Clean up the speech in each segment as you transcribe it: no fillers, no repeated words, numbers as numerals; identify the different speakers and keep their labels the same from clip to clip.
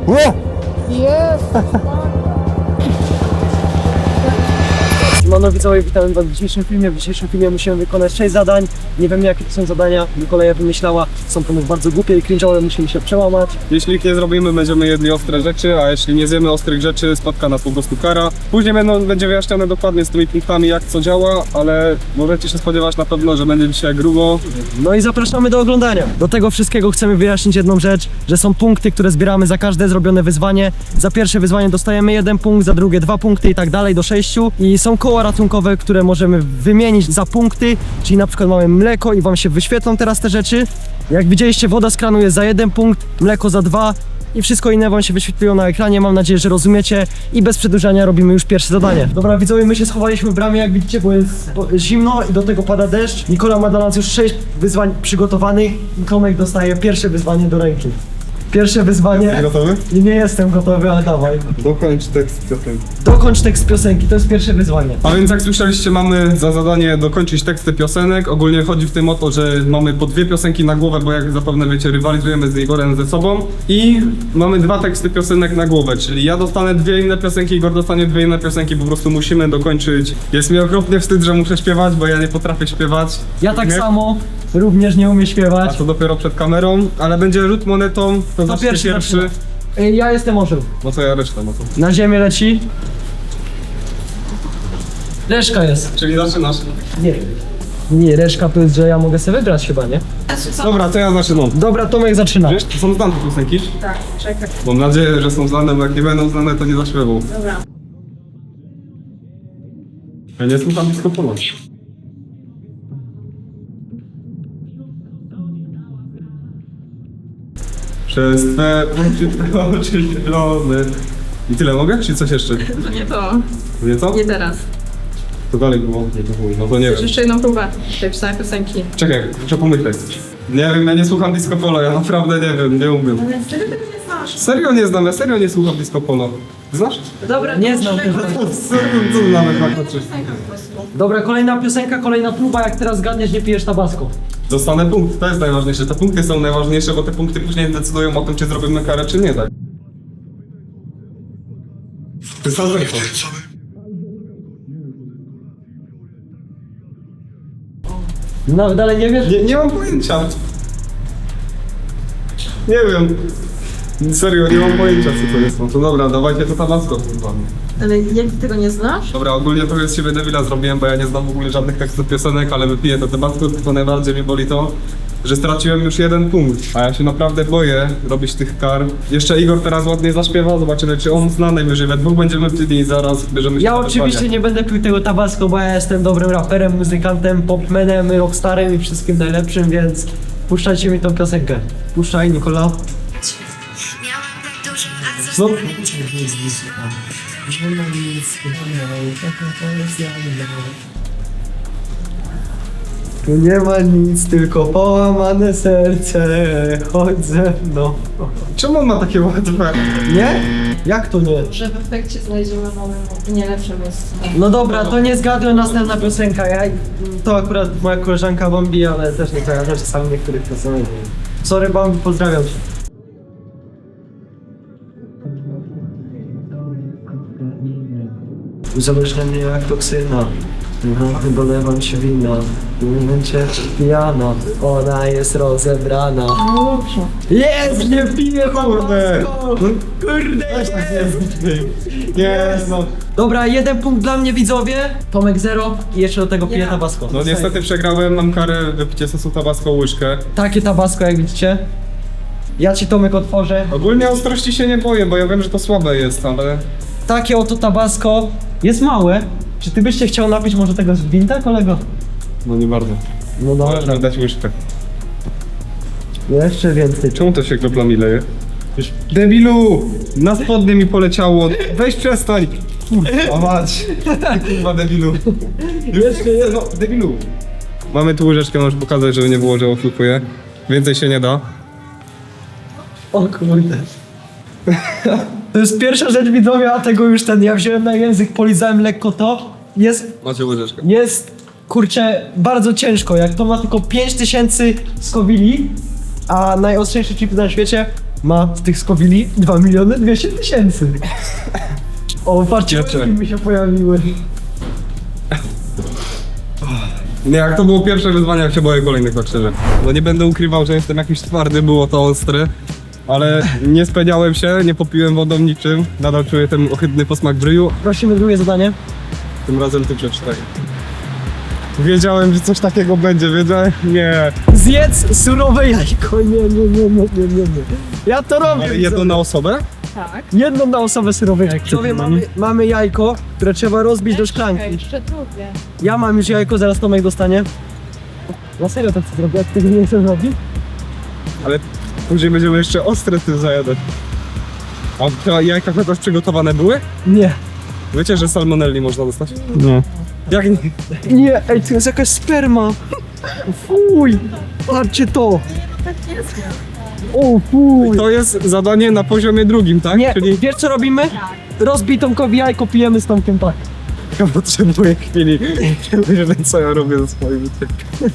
Speaker 1: Siemano widzowie, witamy was w dzisiejszym filmie. W dzisiejszym filmie musimy wykonać 6 zadań. Nie wiem jakie to są zadania, Mikołaja wymyślała. Są to bardzo głupie i cringe'owe, musimy się przełamać.
Speaker 2: Jeśli ich nie zrobimy, będziemy jedli ostre rzeczy, a jeśli nie zjemy ostrych rzeczy, spotka nas po prostu kara. Później będzie wyjaśnione dokładnie z tymi punktami, jak co działa, ale możecie się spodziewać na pewno, że będzie dzisiaj grubo.
Speaker 1: No i zapraszamy do oglądania. Do tego wszystkiego chcemy wyjaśnić jedną rzecz, że są punkty, które zbieramy za każde zrobione wyzwanie. Za pierwsze wyzwanie dostajemy 1 punkt, za drugie 2 punkty i tak dalej do 6. I są koła ratunkowe, które możemy wymienić za punkty, czyli na przykład mamy mleko i wam się wyświetlą teraz te rzeczy. Jak widzieliście, woda z kranu jest za 1 punkt, mleko za 2 i wszystko inne wam się wyświetliło na ekranie. Mam nadzieję, że rozumiecie i bez przedłużania robimy już pierwsze zadanie. Dobra widzowie, my się schowaliśmy w bramie, jak widzicie, bo jest zimno i do tego pada deszcz. Nikola ma dla nas już 6 wyzwań przygotowanych i Tomek dostaje pierwsze wyzwanie do ręki. Pierwsze wyzwanie.
Speaker 2: Gotowy?
Speaker 1: I nie jestem gotowy, ale dawaj.
Speaker 2: Dokończ tekst piosenki.
Speaker 1: Dokończ tekst piosenki, to jest pierwsze wyzwanie.
Speaker 2: A więc jak słyszeliście, mamy za zadanie dokończyć teksty piosenek. Ogólnie chodzi w tym o to, że mamy po 2 piosenki na głowę, bo jak zapewne wiecie, rywalizujemy z Igorem ze sobą. I mamy 2 teksty piosenek na głowę, czyli ja dostanę 2 inne piosenki, Igor dostanie 2 inne piosenki, po prostu musimy dokończyć. Jest mi okropnie wstyd, że muszę śpiewać, bo ja nie potrafię śpiewać.
Speaker 1: Ja tak
Speaker 2: Nie?
Speaker 1: samo również nie umiem
Speaker 2: A
Speaker 1: śpiewać.
Speaker 2: to dopiero przed kamerą, ale będzie rzut monetą, to zacznie pierwszy.
Speaker 1: zaczyna. Ja jestem orzeł.
Speaker 2: No to ja resztę, no to.
Speaker 1: Na ziemię leci. Reszka jest.
Speaker 2: Czyli zaczynasz.
Speaker 1: Nie. Nie, reszka to jest, że ja mogę sobie wybrać chyba, nie?
Speaker 2: Dobra, to ja zaczynam.
Speaker 1: Dobra, Tomek zaczyna.
Speaker 2: Wiesz, to są znane piosenki?
Speaker 3: Tak, czekaj.
Speaker 2: Mam nadzieję, że są znane, bo jak nie będą znane, to nie zaśpiewał.
Speaker 3: Dobra.
Speaker 2: Ja nie słucham disco polo. Przez twe oczy zielone. I tyle mogę? Czy coś jeszcze?
Speaker 3: To nie to.
Speaker 2: Nie co?
Speaker 3: Nie teraz.
Speaker 2: To dalej było. No to nie wiem.
Speaker 3: Jeszcze jedną próbę tej samej piosenki.
Speaker 2: Czekaj, muszę pomyśleć. Nie wiem, ja nie słucham disco polo, ja naprawdę nie wiem, nie umiem.
Speaker 3: Ale serio tego nie znasz?
Speaker 2: Serio nie znam, ja serio nie słucham disco polo. Znasz?
Speaker 3: Dobra,
Speaker 1: Nie
Speaker 3: to
Speaker 1: znam
Speaker 3: muszę
Speaker 1: tego.
Speaker 3: rekomendować
Speaker 2: Co znamy dwa czy?
Speaker 3: piosenkę po prostu.
Speaker 1: Dobra, kolejna piosenka, kolejna próba. Jak teraz zgadniesz, nie pijesz tabasco.
Speaker 2: Dostanę punkt, to jest najważniejsze. Te punkty są najważniejsze, bo te punkty później decydują o tym, czy zrobimy karę, czy nie, tak? Ty sam zresztą.
Speaker 1: No, dalej nie wiesz?
Speaker 2: Nie mam pojęcia. Nie wiem. Serio, nie mam pojęcia, co to jest. No to dobra, dawajcie to tabasco, kurwa.
Speaker 3: Ale jak ty tego nie znasz?
Speaker 2: Dobra, ogólnie trochę z siebie debila zrobiłem, bo ja nie znam w ogóle żadnych tekstów piosenek, ale wypiję to tabasco, tylko najbardziej mnie boli to, że straciłem już 1 punkt. A ja się naprawdę boję robić tych kar. Jeszcze Igor teraz ładnie zaśpiewa, zobaczymy, czy on zna. Najwyżej we dwóch będziemy pili i zaraz bierzemy się
Speaker 1: Ja
Speaker 2: za
Speaker 1: oczywiście
Speaker 2: wyzwanie.
Speaker 1: nie będę pił tego tabasco, bo ja jestem dobrym raperem, muzykantem, popmanem, rockstarem i wszystkim najlepszym, więc puszczajcie mi tą piosenkę. Puszczaj, Nikola.
Speaker 2: No.
Speaker 1: Tu nie ma nic, tylko połamane serce, chodź ze mną.
Speaker 2: Czemu on ma takie łatwe?
Speaker 1: Nie? Jak to nie?
Speaker 3: Że w efekcie znajdziemy nowym, nie lepszym miejscu.
Speaker 1: No dobra, to nie zgadłem, następna piosenka. To akurat moja koleżanka Bambi, ale też nie kojarzę czasami niektórych piosenek. Sorry Bambi, pozdrawiam cię. Uzależnienie jak toksyna. Dolewam się wina. W momencie pijana. Ona jest rozebrana.
Speaker 3: No dobrze.
Speaker 1: Jest! Nie piję
Speaker 2: Kurde.
Speaker 1: tabasco! Kurde!
Speaker 2: Nie, no.
Speaker 1: Dobra, 1 punkt dla mnie, widzowie. Tomek 0 i jeszcze do tego piję
Speaker 3: Ja.
Speaker 1: tabasco.
Speaker 2: No niestety przegrałem, mam karę wypicie sosu tabasco łyżkę.
Speaker 1: Takie tabasco, jak widzicie. Ja ci, Tomek, otworzę.
Speaker 2: Ogólnie ostrości się nie boję, bo ja wiem, że to słabe jest, ale...
Speaker 1: Takie oto tabasco. Jest małe. Czy ty byś się chciał napić może tego z gwinta, kolego?
Speaker 2: No nie bardzo.
Speaker 1: No
Speaker 2: Możesz
Speaker 1: dobra.
Speaker 2: mi dać łyżkę.
Speaker 1: Jeszcze więcej.
Speaker 2: Czemu to się kroplami leje? Debilu! Na spodnie mi poleciało. Weź przestań! Kurwa mać! Ty kurwa debilu.
Speaker 1: Jeszcze jest.
Speaker 2: No, debilu. Mamy tu łyżeczkę, możesz pokazać, żeby nie było, że oszukuję. Więcej się nie da.
Speaker 1: O kurde. To jest pierwsza rzecz, widzowie, a tego już ja wziąłem na język, polizałem lekko to.
Speaker 2: Macie łyżeczkę.
Speaker 1: Jest, kurczę, bardzo ciężko. Jak to ma tylko 5000 skowili, a najostrzejszy chip na świecie ma z tych skowili 2 200 000. O, patrzcie, mi się pojawiły.
Speaker 2: Nie, jak to było pierwsze wyzwanie, jak się boję kolejnych, tak szczerze. No nie będę ukrywał, że jestem jakiś twardy, było to ostre. Ale nie spędziałem się, nie popiłem wodą niczym. Nadal czuję ten ohydny posmak w ryju.
Speaker 1: Prosimy drugie zadanie.
Speaker 2: Tym razem ty przeczytaj. Wiedziałem, że coś takiego będzie, wiedziałem? Nie.
Speaker 1: Zjedz surowe jajko. Nie. Ja to robię.
Speaker 2: Ale jedno na osobę?
Speaker 3: Tak.
Speaker 1: Jedną na osobę surowe jajko. Sobie mamy jajko, które trzeba rozbić do szklanki.
Speaker 3: Jeszcze drugie.
Speaker 1: Ja mam już jajko, zaraz Tomek dostanie. Na serio tak co zrobię, jak tego nie chcę zrobić?
Speaker 2: Ale później będziemy jeszcze ostre tym zajadać. A te jajka chociaż przygotowane były?
Speaker 1: Nie.
Speaker 2: Wiecie, że salmonelli można dostać? Nie. Jak nie?
Speaker 1: Nie, ej, to jest jakaś sperma. Fuj. Patrzcie to.
Speaker 3: Tak jest.
Speaker 1: O fuj.
Speaker 2: To jest zadanie na poziomie drugim, tak?
Speaker 1: Nie,
Speaker 2: Czyli
Speaker 1: wiesz co robimy? Rozbij Tomkowi jajko, pijemy z Tomkiem, tak.
Speaker 2: ja potrzebuję chwili, żeby co ja robię ze swoim życiem.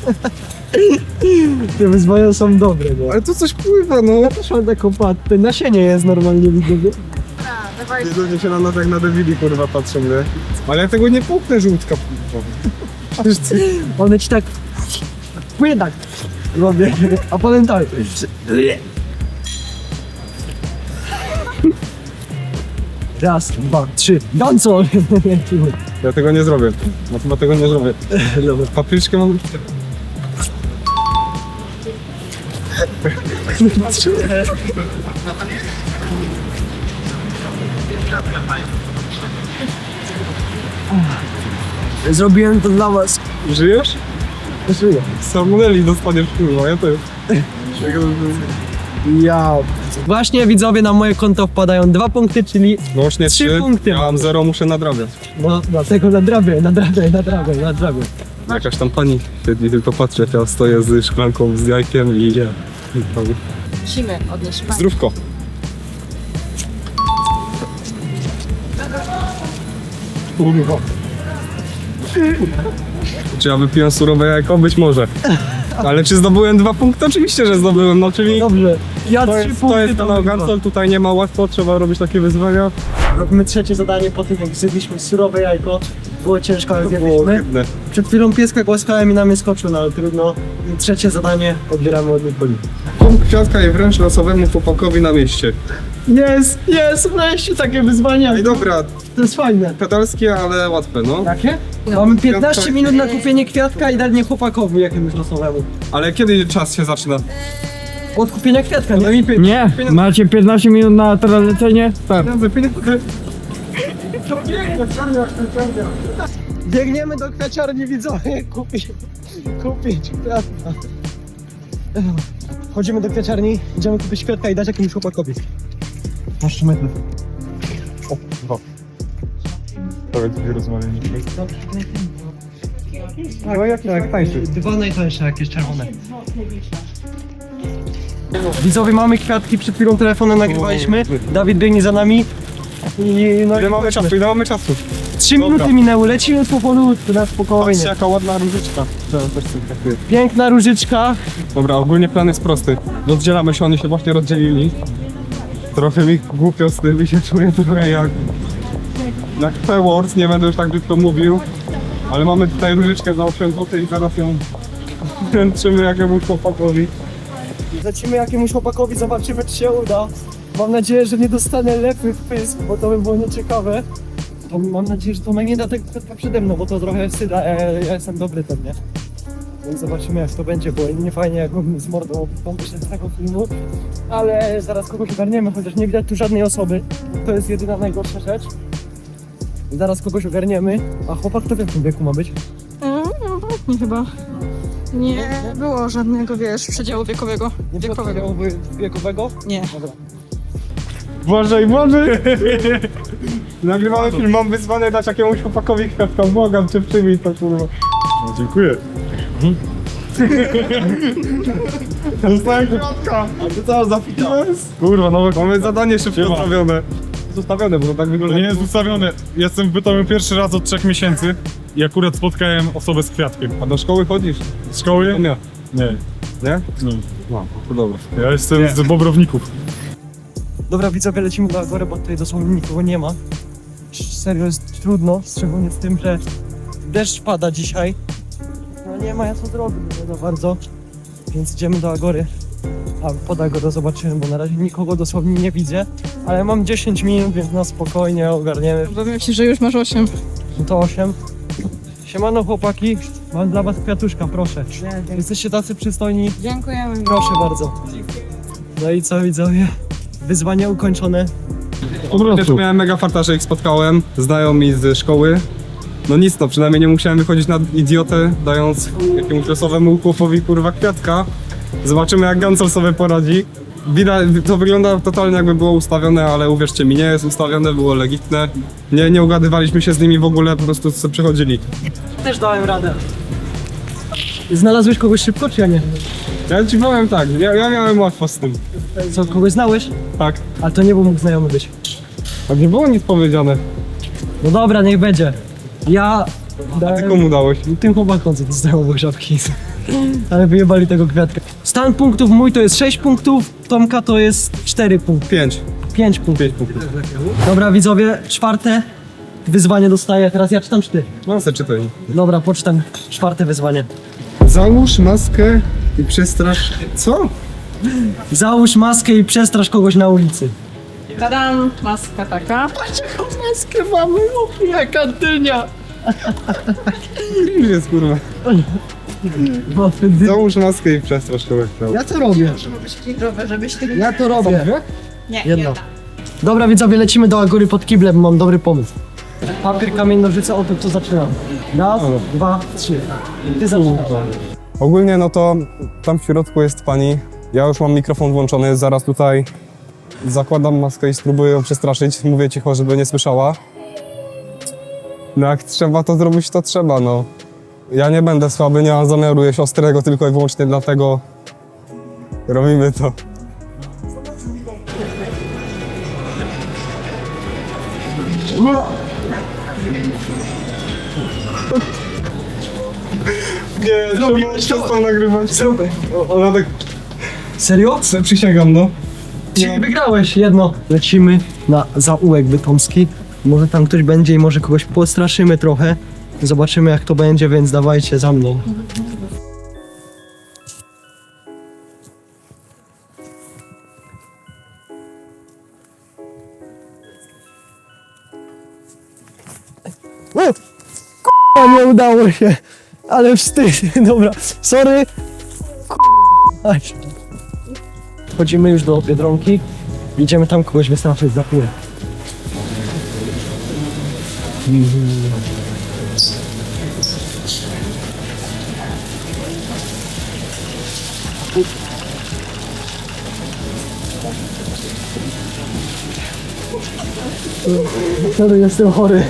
Speaker 1: Te wyzwania są dobre, no.
Speaker 2: Ale tu coś pływa, no.
Speaker 1: Ja też mam taką pattę, nasienie jest normalnie, widzę.
Speaker 3: Dawaj.
Speaker 2: Ludzie się na nas jak na debili, kurwa, patrzą, nie? Ale ja tego nie połknę, żółtka. Przecież ty...
Speaker 1: One ci tak... Płynie tak. Robię, a potem tak. Raz, dwa, trzy. Dancol!
Speaker 2: Ja tego nie zrobię. No chyba tego nie zrobię.
Speaker 1: Dobra.
Speaker 2: Papryczkę mam...
Speaker 1: Zrobiłem to dla was.
Speaker 2: Żyjesz?
Speaker 1: Żyję.
Speaker 2: Salmonelli dostaniesz, kurwa, ja też.
Speaker 1: Ja. Właśnie widzowie, na moje konto wpadają 2 punkty, czyli
Speaker 2: Łącznie
Speaker 1: 3 punkty.
Speaker 2: Ja mam 0, muszę nadrabiać.
Speaker 1: no dlatego nadrabię.
Speaker 2: Jakaś tam pani siedzi, tylko patrzę, ja stoję z szklanką z jajkiem i ja.
Speaker 3: Musimy odnieść pan.
Speaker 2: Zdrówko. Kurwa. Czy ja wypiłem surowe jajko? Być może. Ale czy zdobyłem 2 punkty? Oczywiście, że zdobyłem, no czyli...
Speaker 1: Dobrze. Ja
Speaker 2: To
Speaker 1: 3
Speaker 2: jest,
Speaker 1: punkty.
Speaker 2: to jest ten Gansol, tutaj nie ma łatwo, trzeba robić takie wyzwania.
Speaker 1: Robimy trzecie zadanie po tym, jak zjedliśmy surowe jajko. Było ciężko, ale
Speaker 2: Było
Speaker 1: zjedliśmy.
Speaker 2: ohydne.
Speaker 1: Przed chwilą pieska głaskałem i na mnie skoczył, no ale trudno. I trzecie zadanie odbieramy od Nikoli.
Speaker 2: Punkt kwiatka i wręcz losowemu chłopakowi na mieście.
Speaker 1: Jest, wreszcie takie wyzwania.
Speaker 2: I dobra,
Speaker 1: To jest fajne.
Speaker 2: pedalskie, ale łatwe, no.
Speaker 1: Jakie? Mamy 15 minut na kupienie kwiatka i danie chłopakowi jakiemuś losowemu.
Speaker 2: Ale kiedy czas się zaczyna?
Speaker 1: Od kupienia kwiatka, nie?
Speaker 4: Nie, macie 15 minut na tralecenie? Start.
Speaker 1: Biegniemy do kwiaciarni, widzowie, kupić kwiatka. Chodzimy do kwiaciarni, idziemy kupić kwiatka i dać jakiemuś chłopakowi. Masz 3 metry.
Speaker 2: O, dwa. Powiedz mi, rozmawialiśmy.
Speaker 1: Tak, tańszy. 2 najtańsze, jakieś czerwone. Widzowie, mamy kwiatki, przed chwilą telefonem nagrywaliśmy. Dawid biegnie za nami. I no
Speaker 2: Ile mamy czasu? Ile mamy czasu?
Speaker 1: 3 minuty minęły, lecimy powolutku, na spokojnie.
Speaker 2: Patrzcie, jaka ładna różyczka.
Speaker 1: Piękna różyczka.
Speaker 2: Dobra, ogólnie plan jest prosty. Rozdzielamy się, oni się właśnie rozdzielili. Trochę mi głupio z tym i się czuję trochę jak P-Wars, nie będę już tak brzydko mówił. Ale mamy tutaj różyczkę za 8 zł i zaraz ją wręczymy jakiemuś chłopakowi.
Speaker 1: Lecimy jakiemuś chłopakowi, zobaczymy czy się uda. Mam nadzieję, że nie dostanę lepy w pysk, bo to by było nieciekawe. To mam nadzieję, że Tomek nie da tego kwiatka przede mną, bo to trochę wstyd, ja jestem dobry ten, nie? Więc zobaczymy jak to będzie, bo nie fajnie jak mógłbym z mordą wyszedł z tego filmu. Ale zaraz kogoś ogarniemy, chociaż nie widać tu żadnej osoby. To jest jedyna najgorsza rzecz. Zaraz kogoś ogarniemy. A chłopak to w jakim wieku ma być?
Speaker 3: Nie chyba. Nie było żadnego, wiesz, przedziału wiekowego.
Speaker 1: Nie było przedziału wiekowego?
Speaker 3: Nie.
Speaker 1: Dobra.
Speaker 2: Błażej! Nagrywamy film, mam wyzwanie dać jakiemuś chłopakowi kwiatka. Błagam cię, przyjmij to, kurwa. No, dziękuję. Dostałem kwiatka! A ty co za Kurwa, no mamy zadanie szybko ustawione. Zostawione, bo to tak wygląda.
Speaker 5: To nie jest ustawione. Jestem w Bytomiu pierwszy raz od 3 miesięcy i akurat spotkałem osobę z kwiatkiem.
Speaker 2: A do szkoły chodzisz?
Speaker 5: Z szkoły?
Speaker 2: Nie.
Speaker 5: Nie.
Speaker 2: Nie?
Speaker 5: Nie.
Speaker 2: No, to dobra.
Speaker 5: Ja jestem z Bobrowników.
Speaker 1: Dobra, widzowie, lecimy do Agory, bo tutaj dosłownie nikogo nie ma. Serio jest trudno, szczególnie z tym, że deszcz pada dzisiaj. No nie ma ja co zrobić, nie za bardzo. Więc idziemy do Agory. A pod Agorę zobaczymy, bo na razie nikogo dosłownie nie widzę. Ale mam 10 minut, więc na spokojnie ogarniemy.
Speaker 3: Powiem ci, że już masz 8.
Speaker 1: No to 8. Siemano chłopaki, mam dla was kwiatuszka, proszę. Jesteście tacy przystojni,
Speaker 3: Dziękujemy.
Speaker 1: proszę bardzo. No i co widzowie? Wyzwanie ukończone.
Speaker 2: Też miałem mega farta, że ich spotkałem, znajomi z szkoły. No nic, no przynajmniej nie musiałem wychodzić na idiotę, dając jakiemuś losowemu chłopowi kurwa kwiatka. Zobaczymy jak Gancel sobie poradzi. Widać, to wygląda totalnie jakby było ustawione, ale uwierzcie mi, nie jest ustawione, było legitne. Nie ugadywaliśmy się z nimi w ogóle, po prostu sobie przychodzili.
Speaker 1: Też dałem radę. Znalazłeś kogoś szybko, czy ja nie?
Speaker 2: Ja ci powiem tak, ja miałem łatwo z tym.
Speaker 1: Co, kogoś znałeś?
Speaker 2: Tak.
Speaker 1: Ale to nie był mógł znajomy być.
Speaker 2: Tak nie było nic powiedziane.
Speaker 1: No dobra, niech będzie. Ja
Speaker 2: A ty
Speaker 1: dałem
Speaker 2: komu dałeś?
Speaker 1: tym chłopakom, co dostają obok żabki. Ale wyjebali tego kwiatka. Stan punktów mój to jest 6 punktów, Tomka to jest 4 punkty.
Speaker 2: 5.
Speaker 1: 5 punktów.
Speaker 2: 5 punktów.
Speaker 1: Dobra widzowie, czwarte wyzwanie dostaję. Teraz ja czytam czy ty?
Speaker 2: No se czytaj.
Speaker 1: Dobra, poczytam czwarte wyzwanie.
Speaker 2: Załóż maskę i przestrasz... Co?
Speaker 1: Załóż maskę i przestrasz kogoś na ulicy.
Speaker 3: Tadam, maska taka.
Speaker 1: Maskę mamy, jaka dynia.
Speaker 2: Już jest kurwa. Załóż maskę i przestrasz kogoś.
Speaker 1: Ja to robię.
Speaker 3: Żebyś ty...
Speaker 1: Ja to robię.
Speaker 3: Nie,
Speaker 1: Jedno.
Speaker 3: nie.
Speaker 1: Dobra widzowie, lecimy do Agory pod kiblem, mam dobry pomysł. Papier, kamień, nożyce, o to zaczynam. Raz, 2, 3. Ty zaczynasz.
Speaker 2: Ogólnie no to tam w środku jest pani. Ja już mam mikrofon włączony, zaraz tutaj zakładam maskę i spróbuję ją przestraszyć. Mówię cicho, żeby nie słyszała. No jak trzeba to zrobić, to trzeba, no. Ja nie będę słaby, nie mam zamiaru jeść ostrego, tylko i wyłącznie dlatego robimy to. Nie, przestał nagrywać. Ona tak...
Speaker 1: Serio?
Speaker 2: Przysięgam, no.
Speaker 1: Czyli wygrałeś jedno. Lecimy na zaułek bytomski. Może tam ktoś będzie i może kogoś postraszymy trochę. Zobaczymy jak to będzie, więc dawajcie za mną. K***a, nie udało się. Ale wstyd. Dobra, sorry. K***a. Wchodzimy już do Biedronki. Idziemy tam kogoś wystraszyć za chwilę. Sorry, jestem chory.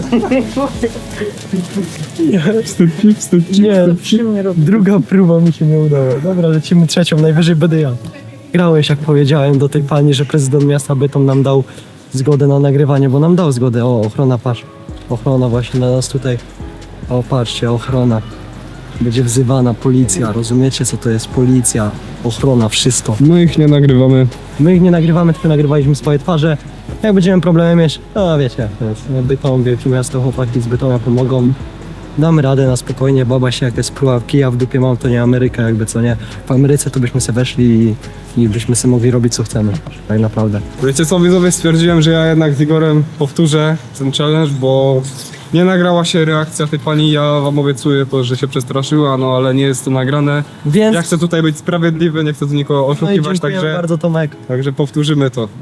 Speaker 1: Nie, druga próba mi się nie udała. Dobra, lecimy trzecią, najwyżej będę ja. Grałeś, jak powiedziałem do tej pani, że prezydent miasta Bytom nam dał zgodę na nagrywanie, bo nam dał zgodę. O, ochrona, patrz. Ochrona właśnie na nas tutaj. O, patrzcie, ochrona. Będzie wzywana policja, rozumiecie co to jest policja, ochrona, wszystko.
Speaker 2: My ich nie nagrywamy.
Speaker 1: My ich nie nagrywamy, tylko nagrywaliśmy swoje twarze. Jak będziemy problemy mieć, no wiecie, to jest Bytom, wielkie miasto, chłopaki z Bytomia pomogą. Damy radę na spokojnie, baba się jak jest próba kija w dupie mam, to nie Ameryka jakby, co nie. W Ameryce to byśmy se weszli i byśmy sobie mogli robić co chcemy, tak naprawdę.
Speaker 2: Wiecie co, widzowie, stwierdziłem, że ja jednak z Igorem powtórzę ten challenge, bo nie nagrała się reakcja tej pani, ja wam obiecuję to, że się przestraszyła, no ale nie jest to nagrane.
Speaker 1: Więc
Speaker 2: Ja chcę tutaj być sprawiedliwy, nie chcę tu nikogo
Speaker 1: no i
Speaker 2: oszukiwać,
Speaker 1: dziękuję bardzo Tomek.
Speaker 2: także powtórzymy to.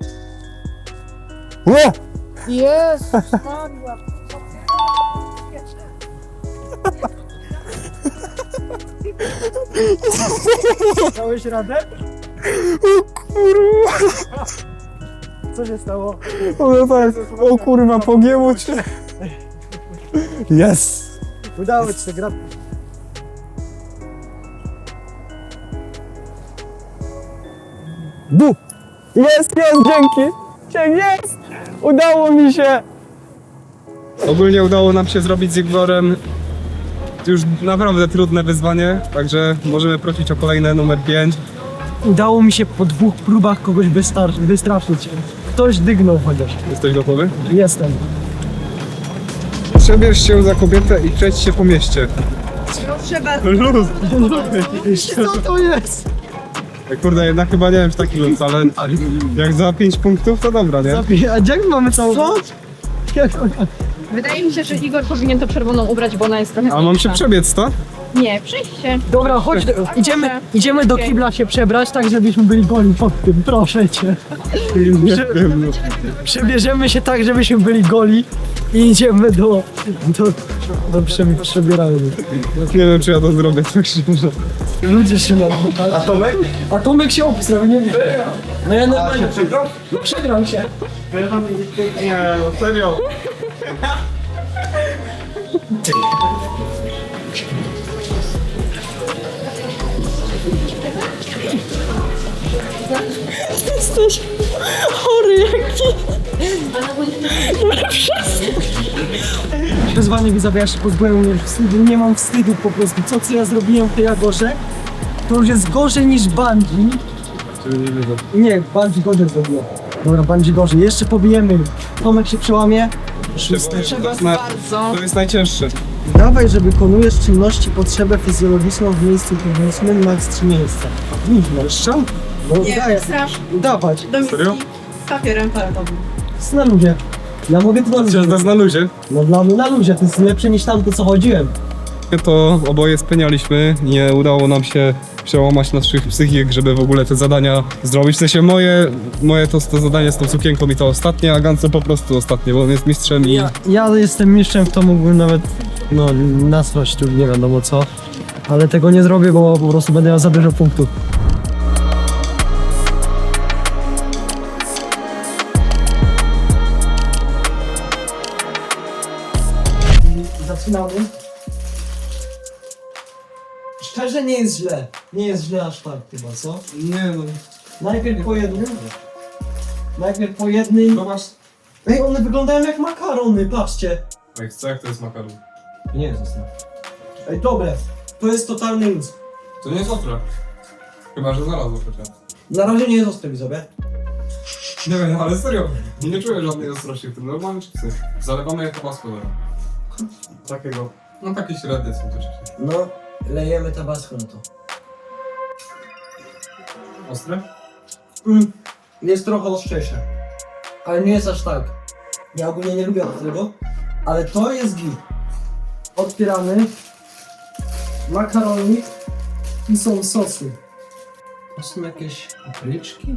Speaker 1: Dałeś radę? O kurwa! Co się stało?
Speaker 2: O kurwa, pogięło cię. Yes!
Speaker 1: Udało ci się, gra.
Speaker 4: Bu! Jest, dzięki! Jest! Udało mi się!
Speaker 2: Ogólnie udało nam się zrobić z Igorem już naprawdę trudne wyzwanie, także możemy prosić o kolejne numer 5.
Speaker 1: udało mi się po 2 próbach kogoś wystraszyć. Ktoś dygnął chociaż.
Speaker 2: Jesteś gotowy?
Speaker 1: Jestem.
Speaker 2: Przebierz się za kobietę i przejdź się po mieście.
Speaker 5: Luz!
Speaker 1: Co to jest?
Speaker 2: Kurde, jednak chyba nie wiem, czy taki luz, ale jak za 5 punktów, to dobra, nie?
Speaker 1: A jak mamy całą... Co?
Speaker 3: Wydaje mi się, że Igor powinien to czerwoną ubrać, bo ona jest trochę
Speaker 2: A mam się
Speaker 3: mniejsza.
Speaker 2: przebiec, to?
Speaker 3: Nie, przyjście.
Speaker 1: Dobra, chodź, idziemy do kibla się przebrać, tak żebyśmy byli goli pod tym, proszę cię. Przebierzemy się tak, żebyśmy byli goli i idziemy do przebierania.
Speaker 2: Nie wiem, czy ja to zrobię, tak szczerze.
Speaker 1: Ludzie się nam... A Tomek? A Tomek się obstrał, nie wiem. No ja normalnie... No przegrał się.
Speaker 2: Nie, no serio.
Speaker 3: Jesteś chory jaki.
Speaker 1: Wyzwanie widzowie, ja się pozbyłem mnie wstydu, nie mam wstydu po prostu. Co ja zrobiłem w tej Agorze, to już jest gorzej niż Bungie. Nie, Bungie gorzej zrobiło. Dobra, Bungie gorzej, jeszcze pobijemy. Tomek się przełamie.
Speaker 2: To jest najcięższe.
Speaker 1: Dawaj, że wykonujesz czynności potrzebę fizjologiczną w miejscu publicznym, max 3 miejsca. Nigdy. Jeszcze? No daję. Dawać.
Speaker 2: Serio?
Speaker 3: Z papierem toaletowym.
Speaker 1: Jest na luzie. Ja mogę to na luzie.
Speaker 2: Teraz na luzie.
Speaker 1: No dla mnie na luzie, to jest lepsze niż tamto co chodziłem.
Speaker 2: To oboje spenialiśmy, nie udało nam się przełamać naszych psychik, żeby w ogóle te zadania zrobić. W sensie moje to zadanie z tą sukienką i to ostatnie, a Gance po prostu ostatnie, bo on jest mistrzem i...
Speaker 1: Ja jestem mistrzem w to, mógłbym nawet nasrać tu nie wiadomo co. Ale tego nie zrobię, bo po prostu będę miał za dużo punktów. Zaczynamy. Szczerze nie jest źle. Nie jest źle aż tak chyba, co?
Speaker 2: Nie no,
Speaker 1: Najpierw po jednym. Najpierw po jednym.
Speaker 2: zobacz.
Speaker 1: Ej, one wyglądają jak makarony, patrzcie.
Speaker 2: Jak to jest makaron?
Speaker 1: Nie jest ostre. Ej, dobre. To jest totalny luz.
Speaker 2: To nie jest ostre. Chyba, że znalazło chociaż.
Speaker 1: Na razie nie jest ostre, widzowie.
Speaker 2: Nie wiem, ale serio, nie czuję żadnej ostrości w tym. Normalne chipsy. Zalewamy jak tabasco teraz. Takiego. No takie średnie są te chipsy.
Speaker 1: No, lejemy tabasco na to.
Speaker 2: Ostre?
Speaker 1: Jest trochę ostrzejsze. Ale nie jest aż tak. Ja ogólnie nie lubię ostrego. Ale to jest git. Otwieramy. Makaronik. I są sosy. To są jakieś papryczki.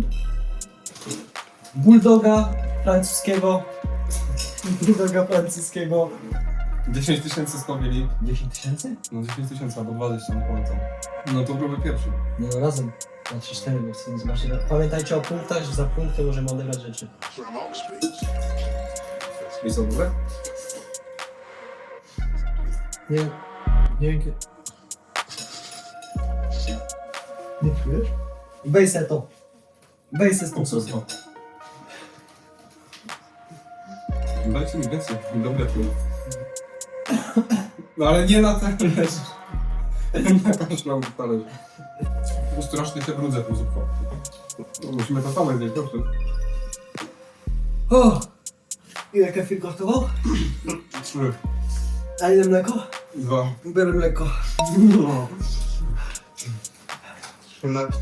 Speaker 1: Bulldoga francuskiego. Bulldoga francuskiego.
Speaker 2: 10 tysięcy skowili.
Speaker 1: 10 tysięcy?
Speaker 2: No 10 tysięcy albo 20, nie pamiętam. No to próby pierwszy.
Speaker 1: Nie no, razem. Na 3-4, bo chcę zobaczyć. Pamiętajcie o punktach, że za punkty możemy odegrać rzeczy.
Speaker 2: I są duże?
Speaker 1: Nie. Nie wiem kiedy. Nie czujesz? Weź se to. Weź se z tą sosą.
Speaker 2: Dajcie mi więcej, dobre tu. No ale nie na talerz. Na każdą talerz. Strasznie te brudze tu zupką. No, musimy to same zjeść, dobrze?
Speaker 1: O! Ile kefir kosztował?
Speaker 2: 3,
Speaker 1: A ile mleko?
Speaker 2: 2,
Speaker 1: Biorę mleko.
Speaker 2: no. 13.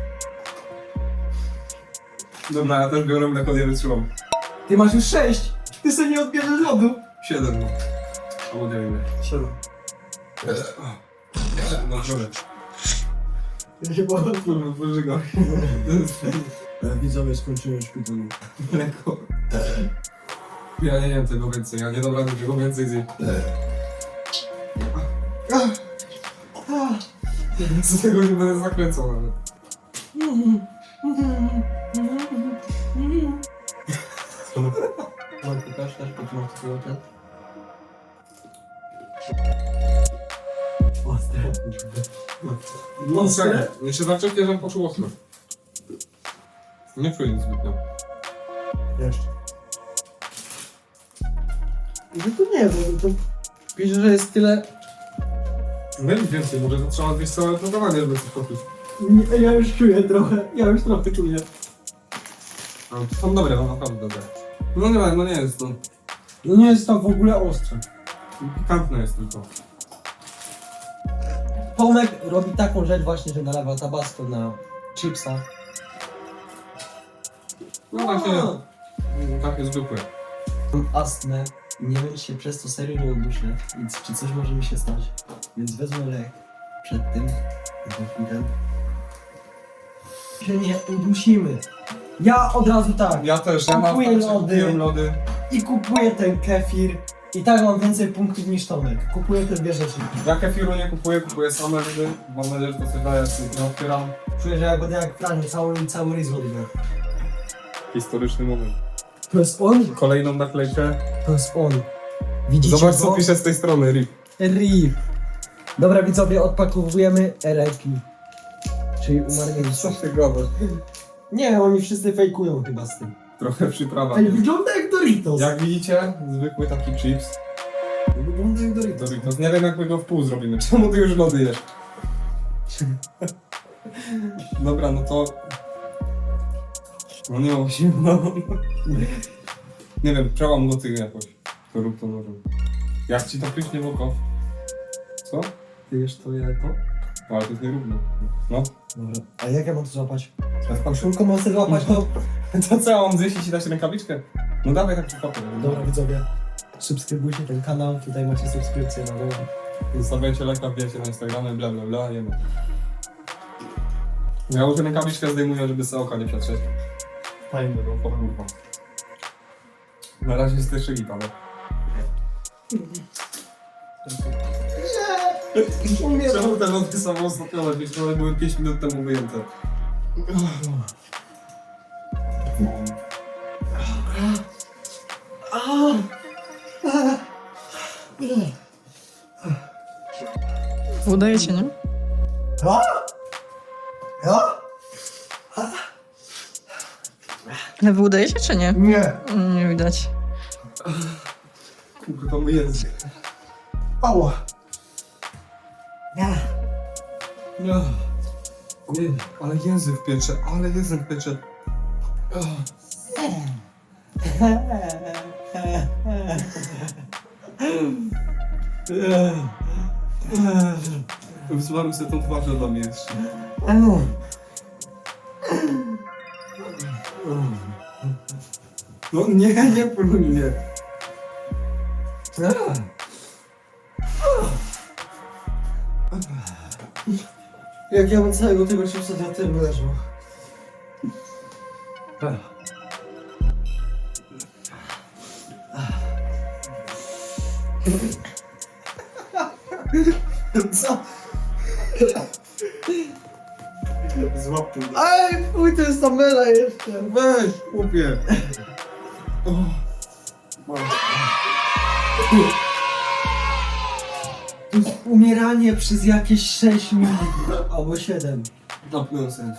Speaker 2: Dobra, ja też biorę mleko, nie wytrzymam.
Speaker 1: Ty masz już 6! Ty sobie nie odbierzesz lodu!
Speaker 2: 7, no. Albo nie wiem.
Speaker 1: 7.
Speaker 2: No dobra.
Speaker 1: Ja się boję.
Speaker 2: Kurwa, pożygam.
Speaker 1: Widzowie skończyłem szpitalu.
Speaker 2: Mleko. Ja nie jem tego więcej, ja nie dam rady tego więcej zjeść. Z tego nie będę zakręcał nawet.
Speaker 1: Marku, też potrzymam swój ten. Ostre.
Speaker 2: Ostre? Ja się zaczepnie, żebym poczuł ostre. Nie czuję nic zbytnio.
Speaker 1: Jeszcze. No to nie, bo to pisze, że jest tyle.
Speaker 2: Wiem więcej, może to trzeba zjeść całe programowanie, żeby coś poczuć.
Speaker 1: Ja już czuję trochę, czuję.
Speaker 2: No, są dobre, no naprawdę dobre. No nie jest to.
Speaker 1: No nie jest to w ogóle ostre.
Speaker 2: Pikantne jest tylko.
Speaker 1: Tomek robi taką rzecz właśnie, że nalewa tabasco na chipsa.
Speaker 2: No takie zwykłe.
Speaker 1: Mam astmę i nie wiem, czy się przez to serio nie uduszę, więc czy coś może mi się stać. Więc wezmę lek przed tym, się nie udusimy. Ja od razu tak.
Speaker 2: Ja też,
Speaker 1: Kupuję
Speaker 2: kupiłem lody.
Speaker 1: I kupuję ten kefir. I tak mam więcej punktów niż Tomek. Kupuję te dwie rzeczy.
Speaker 2: Ja kefiru nie kupuję same lody. Mam nadzieję, że to coś daje, nie otwieram.
Speaker 1: Czuję, że ja będę jak pranie, cały ryz robię.
Speaker 2: Historyczny moment.
Speaker 1: To jest on?
Speaker 2: Kolejną naklejkę.
Speaker 1: To jest on. Widzicie
Speaker 2: Zobacz
Speaker 1: go?
Speaker 2: co pisze z tej strony, RIP.
Speaker 1: RIP. Dobra widzowie, odpakowujemy RIP. Czyli umarli.
Speaker 2: Co ty gadasz?
Speaker 1: Nie, oni wszyscy fejkują chyba z tym.
Speaker 2: Trochę przyprawa.
Speaker 1: Ej, wygląda jak Doritos.
Speaker 2: Jak widzicie, zwykły taki chips.
Speaker 1: Wygląda jak Doritos.
Speaker 2: Doritos. Nie wiem jak my go w pół zrobimy. Czemu ty już lody jesz? Dobra, no to... No nie mam się, no. Nie wiem, przełam go ty jakoś. To rób to nożem. Jak ci to pyknie w oko? Co?
Speaker 1: Ty jesz to, ja to?
Speaker 2: No, ale to jest nierówno. No.
Speaker 1: Dobra. A jak ja mam to złapać?
Speaker 2: Teraz pan
Speaker 1: Szulką mam sobie złapać to?
Speaker 2: To co, mam zjeść i ci dać rękawiczkę? No dawaj tak przypadek.
Speaker 1: Dobra widzowie, subskrybujcie ten kanał, tutaj macie subskrypcję na dole.
Speaker 2: Zostawiajcie lajka, wbijajcie na Instagramie, bla bla bla, jemy. Ja już rękawiczkę zdejmuję, żeby sobie oka nie przetrzeć. Fajnie, bo kurwa. Na razie jest jeszcze git, ale... Czemu te lody są ostatnio, wiesz, one były 5 minut temu wyjęte.
Speaker 3: Udaje się, nie? Ale wy udaje się, czy nie?
Speaker 1: Nie.
Speaker 3: Nie widać.
Speaker 2: Kurwa, mój język.
Speaker 1: Ała.
Speaker 2: No. Nie, ale język piecze, Wysłałem sobie tą twarz dla mnie jeszcze. No nie próbuj mnie.
Speaker 1: Jak ja bym całego tego chipsa na tym leżał. Co?
Speaker 2: Złap tu.
Speaker 1: Ej, fuj, to jest ta mela jeszcze.
Speaker 2: Weź, chłopie.
Speaker 1: To jest umieranie przez jakieś 6 minut. Albo 7.
Speaker 2: Napnąłem sobie.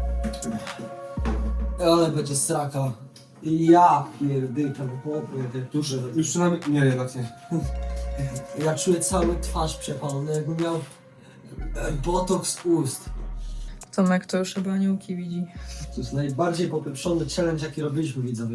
Speaker 1: Ale będzie straka. Ja pierdykam, chłopie, te duże.
Speaker 2: Już przynajmniej... Nie, jednak nie.
Speaker 1: Ja czuję cały twarz przepalony, jakbym miał botoks ust.
Speaker 3: Tomek to już chyba aniołki widzi.
Speaker 1: To jest najbardziej popieprzony challenge, jaki robiliśmy, widzowie.